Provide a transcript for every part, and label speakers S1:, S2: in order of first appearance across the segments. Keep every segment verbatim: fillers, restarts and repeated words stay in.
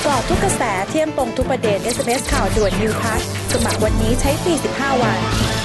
S1: กาะทุกกระแสเที่ยมตรงทุกประเด็น เอส เอ็ม เอส ข่าวด่วน New Plus สมัครวันนี้ใช้ฟรีสิบห้าวัน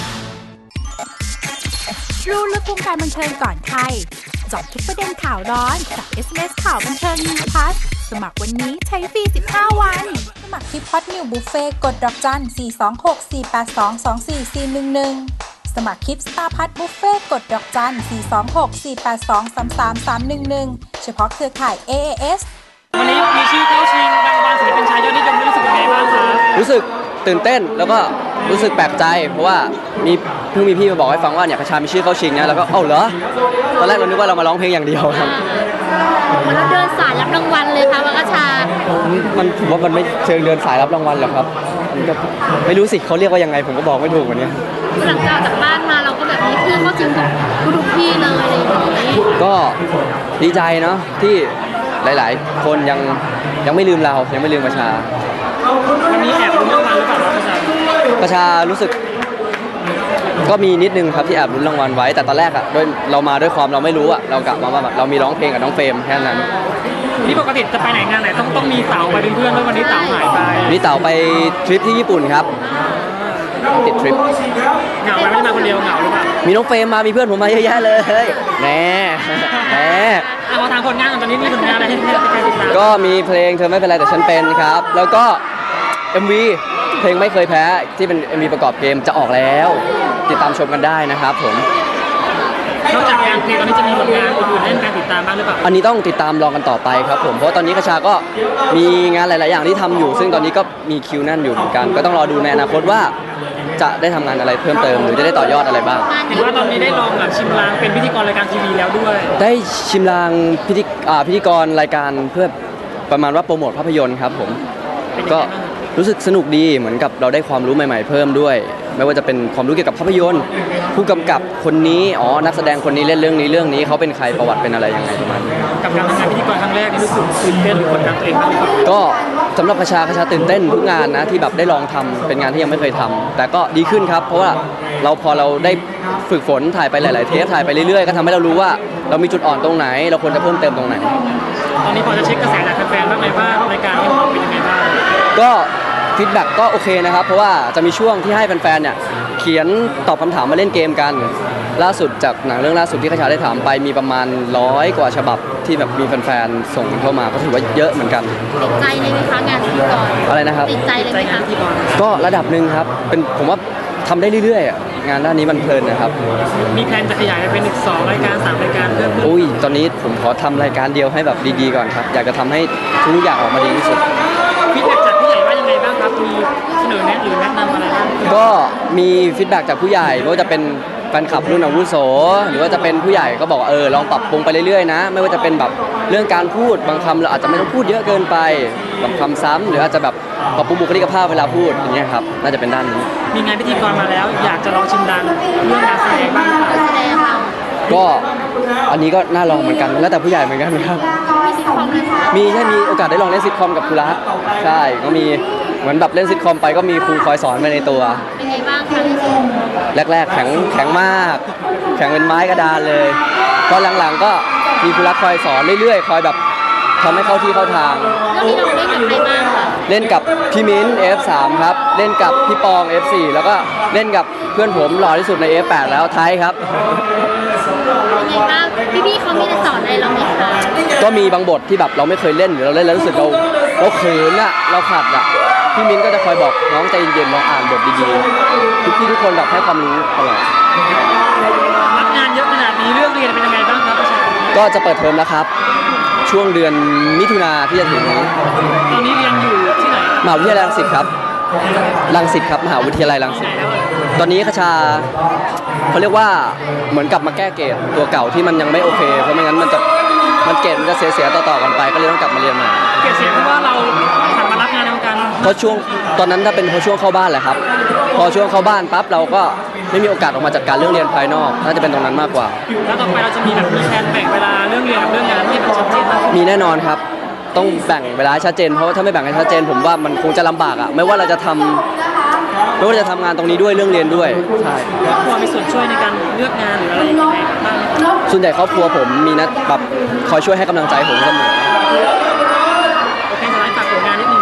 S2: รู้ลึกวงการบันเทิงก่อนใครเจาะทุกประเด็นข่าวร้อนกับ เอส เอ็ม เอส ข่าวบันเทิง New Plus สมัครวันนี้ใช้ฟรีสิบห้าวันสมัครที่พอดนิวบุฟเฟ่กดดอกจันสี่ สอง หก สี่ แปด สอง สอง สี่ สี่ หนึ่ง หนึ่งสมัครคลิปสตาร์พัทบุฟเฟ่กดดอกจันสี่ สอง หก สี่ แปด สอง สาม สาม สาม หนึ่ง หนึ่งเฉพาะเครือข่าย เอ เอ เอส
S3: วันนี้มีชื่อเข้าชิงรางวัลศิลปินชายยอดนิยมรู้สึกยังไงบ้างคะ
S4: รู้สึกตื่นเต้นแล้วก็รู้สึกแปลกใจเพราะว่ามีเพิ่งมีพี่มาบอกให้ฟังว่าเนี่ยกระชามีชื่อเข้าชิงนะแล้วก็เอ้าเหรอตอนแรกเรานึกว่าเรามาร้องเพลงอย่างเดียวครับ
S5: เหมือนเราเดินสายรับรางวัลเลยค่ะวังกระชา
S4: มันผมว่ามันไม่เชิงเดินสายรับรางวัลหรอกครับมันก็ไม่รู้สิเขาเรียกว่ายังไงผมก็บอกไม่ถูกวันนี้
S5: หลังจากจากบ้านมาเราก็แบบมีชื่อเข้าชิงทุกที่เลยอะไรอย่างนี้
S4: ก็ดีใจเนาะที่หลายๆคนยังยังไม่ลืมเรายังไม่ลืมประชา
S3: วันนี้แอบลุ้นรางวัลหรือเปล่าประชา
S4: ประชารู้สึกก็มีนิดนึงครับที่แอบลุ้นรางวัลไว้แต่ตอนแรกอะด้วยเรามาด้วยความเราไม่รู้อะเรากะมาว่าแบบเรามีร้องเพลงกับน้องเฟรมแค่นั้น
S3: นี่ปกติจะไปไหนงานไหนต้องต้องมีเต๋าไปเป็นเพื่อนด้วยวันนี้เต๋าหายไป
S4: นี่เต๋าไปทริปที่ญี่ปุ่นครับติดทริป
S3: เหงาไหมไม่ได้มาคนเดียวเหงาหรือเปล่า
S4: มีน้องเฟรมมามีเพื่อนผมมาเยอะแยะเลยแน่แน่
S3: เอาทางผลงานตอนนี้มีผลงานอะไรให้ให้ใครติดตาม
S4: ก็มีเพลงเธอไม่เป็นไรแต่ฉันเป็นครับแล้วก็ เอ็ม วี เพลงไม่เคยแพ้ที่เป็น เอ็ม วี ประกอบเกมจะออกแล้วติดตามชมกันได้นะครับผม
S3: นอกจากงานเพลงตอนนี้จะมีผลงานอื่นๆให้การติดตามบ้างหรือเปล่า
S4: อันนี้ต้องติดตามรอกันต่อไปครับผมเพราะตอนนี้กระชาก็มีงานหลายๆอย่างที่ทำอยู่ซึ่งตอนนี้ก็มีคิวแน่นอยู่เหมือนกันก็ต้องรอดูในอนาคตว่าจะได้ทำงานอะไรเพิ่มเติมหรือจะได้ต่อยอดอะไรบ้าง
S3: เห็นว่าตอนนี้ได้ลองแบบชิมลางเป็นพิธีกรรายการทีวีแล้วด้วย
S4: ได้ชิมลางพิธีอ่าพิธีกรรายการเพื่อประมาณว่าโปรโมทภาพยนตร์ครับผมก็รู้สึกสนุกดีเหมือนกับเราได้ความรู้ใหม่ๆเพิ่มด้วยไม่ว่าจะเป็นความรู้เกี่ยวกับภาพยนตร์ผู้กำกับคนนี้อ๋อนักแสดงคนนี้เล่นเรื่องนี้เรื่องนี้เขาเป็นใครประวัติเป็นอะไรยังไงประมาณนี้
S3: กับการทำงานพิธีกรครั้งแรกนี่รู้สึกตื่นเต้นหรือกดดันตัวเองบ้าง
S4: ก็สำหรับกระชากระชาตื่นเต้นทุกงานนะที่แบบได้ลองทำเป็นงานที่ยังไม่เคยทำแต่ก็ดีขึ้นครับเพราะว่าเราพอเราได้ฝึกฝนถ่ายไปหลายๆเทปถ่ายไปเรื่อยๆก็ทำให้เรารู้ว่าเรามีจุดอ่อนตรงไหนเราควรจะเพิ่มเติมตรงไหน
S3: ตอนนี้พอจะเช็คกระแสจากแฟนๆบ้างไหมว่ารายการนี้มันเป็นยังไงบ้าง
S4: ก็ฟีดแบ็กก็โอเคนะครับเพราะว่าจะมีช่วงที่ให้แฟนๆเนี่ยเขียนตอบคำถามมาเล่นเกมกันล่าสุดจากหนังเรื่องล่าสุดที่กระชาได้ถามไปมีประมาณร้อยกว่าฉบับที่แบบมีแฟนๆส่งเข้ามาก็ถือว่าเยอะเหมือนกัน
S5: ติดใจเลยไหมคะงานพิธีกร
S4: อะไรนะครับ
S5: ติดใจเลยไหมคะ
S4: ก็ระดับหนึ่งครับเป็นผมว่าทำได้เรื่อยๆงานด้านนี้มันเพลินนะครับ
S3: มีแผนจะขยายเป็นอีกสองรายการสามรายการเพิ่ม
S4: อุ้ยตอนนี้ผมขอทำรายการเดียวให้แบบดีๆก่อนครับอยากจะทำให้ทุกอย่างออกมาดีที่สุด
S3: ฟีดแบ็กจากผู้ใหญ่ว่ายังไงบ้างครับมีเสนอแนะหรือแนะนำอะไรบ้าง
S4: ก็มีฟีดแบ็กจากผู้ใหญ่ไม่ว่าจะเป็นแฟนคลับรุ่นอาวุโสหรือว่าจะเป็นผู้ใหญ่ก็บอกเออลองปรับปรุงไปเรื่อยๆนะไม่ว่าจะเป็นแบบเรื่องการพูดบางคำเราอาจจะไม่ต้องพูดเยอะเกินไปบางคำซ้ำหรืออาจจะแบบปรับปรุงบุคลิกภาพเวลาพูดอย่างเงี้ยครับน่าจะเป็นด้านนี้
S3: มีงานพิธีกรมาแล้วอยากจะลองชิมดังเรื่องการแสดงบ้างหรือเปล่า
S4: ก็อันนี้ก็น่าลองเหมือนกันแล้วแต่ผู้ใหญ่เหมือนกันครับมีใช่มีโอกาสได้ลองเล่นซิทคอมกับครูรักใช่ก็มีเหมือนแบบเล่นซิทคอมไปก็มีครูคอยสอนไปในตัว
S5: เป็นไงบ้างคะ
S4: แรกๆแข็งแข็งมากแข็งเป็นไม้กระดานเลยพอหลังๆก็มีครูรักคอยสอนเรื่อยๆคอยแบบทำให้เข้าที่เข้าทาง
S5: แล้วนี่เราเล่นกับใครบ้างคะ
S4: เล่นกับพี่มิ้น เอฟ สาม ครับเล่นกับพี่ปอง เอฟ สี่ แล้วก็เล่นกับเพื่อนผมหล่อที่สุดใน เอฟ แปด แล้วไทยครับ
S5: เป็นไงบ้างพี่ๆเขามีสอนอะไรเราไหมคะ
S4: ก็มีบางบทที่แบบเราไม่เคยเล่นหรือเราเล่นแล้วรู้สึกเราเราเขินอะเราขัดอะพี่มิ้นก็จะคอยบอกน้องใจเย็นๆลองอ่านบทดีๆทุกพี่ทุกคนแบบให้ความรู้ตลอด
S3: รับงานเยอะขนาดนี้เรื่องเรียนเป็นยังไงบ้างครับประชา
S4: ก็จะเปิดเทอมแล้วครับช่วงเดือนมิถุนาที่จะถึงนี้
S3: ตอนนี้เรียนอยู่ที่ไหน
S4: มหาวิทยาลัยรังสิตครับรังสิตครับมหาวิทยาลัยรังสิตตอนนี้คชาเขาเรียกว่าเหมือนกลับมาแก้เกรดตัวเก่าที่มันยังไม่โอเคเพราะไม่งั้นมันจะมันเกรดมันจะเสียๆต่อๆกันไปก็เลยต้องกลับมาเรียนใหม่
S3: เกรดเสียเพราะว่าเราหันมารับงานในวงการ
S4: เพราะช่วงตอนนั้นถ้าเป็นเพราะช่วงเข้าบ้านแหละครับพอช่วงเข้าบ้านปั๊บเราก็ไม่มีโอกาสออกมาจัดการเรื่องเรียนภายนอกน่าจะเป็นตรงนั้นมากกว่า
S3: แล้วต่อไปเราจะมีแบบมีแผนแบ่งเวลาเรื่องเรียนกับเรื่องงานให้มันชัดเจน
S4: มีแน่นอนครับต้องแบ่งเวลาชัดเจนเพราะว่าถ้าไม่แบ่งให้ชัดเจนผมว่ามันคงจะลำบากอ่ะไม่ว่าเราจะทำไม่ว่าจะทำงานตรงนี้ด้วยเรื่องเรียนด้วยใช่
S3: ครอบครัวมีส่วนช่วยในการเลือกงานหรืออะไรยังไงบ้าง
S4: ส่วนใหญ่ครอบครัวผมมีนัดแบบคอยช่วยให้กำลังใจผมเสมอ
S3: โอเคสไลด์ฝากผลงานนิดนึง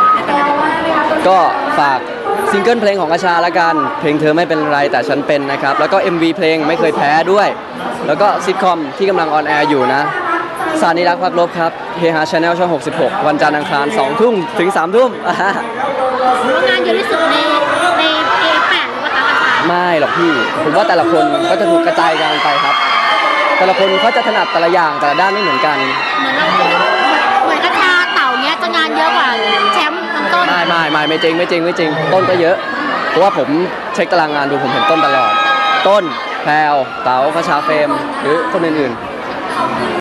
S4: ก็ฝากซิงเกิลเพลงของกระชาละกันเพลงเธอไม่เป็นไรแต่ฉันเป็นนะครับแล้วก็ เอ็ม วี เพลงไม่เคยแพ้ด้วย แล้วก็ซิทคอมที่กำลังออนแอร์อยู่นะสานิรักพักลบครับเฮฮาชาแนลช่องหกสิบหกวันจันทร์อังคารสองทุ่มถึงสามทุ่ม
S5: งานเยอะที่สุดในใน เอ แปด หรือเปล่าคะกระชา
S4: ไม่หรอกพี่ผมว่าแต่ละคนก็จะถูกกระจายกันไปครับ แต่ละคนเขาจะถนัดแต่ละอย่างแต่ละด้านไม่เหมือนกัน
S5: เหมือนเราเหมือนกระชาเต่าเนี้ยจะงานเยอะกว่าแชมป์ทั้งต้น
S4: ไม่ไม่ไม่ไม่จริงไม่จริงไม่จริงต้นก็เยอะ เพราะว่าผมเช็คตารางงานดูผมเห็นต้นตลอด ต้นแพรวเต๋าคชาเฟรมหรือคนอื่นๆ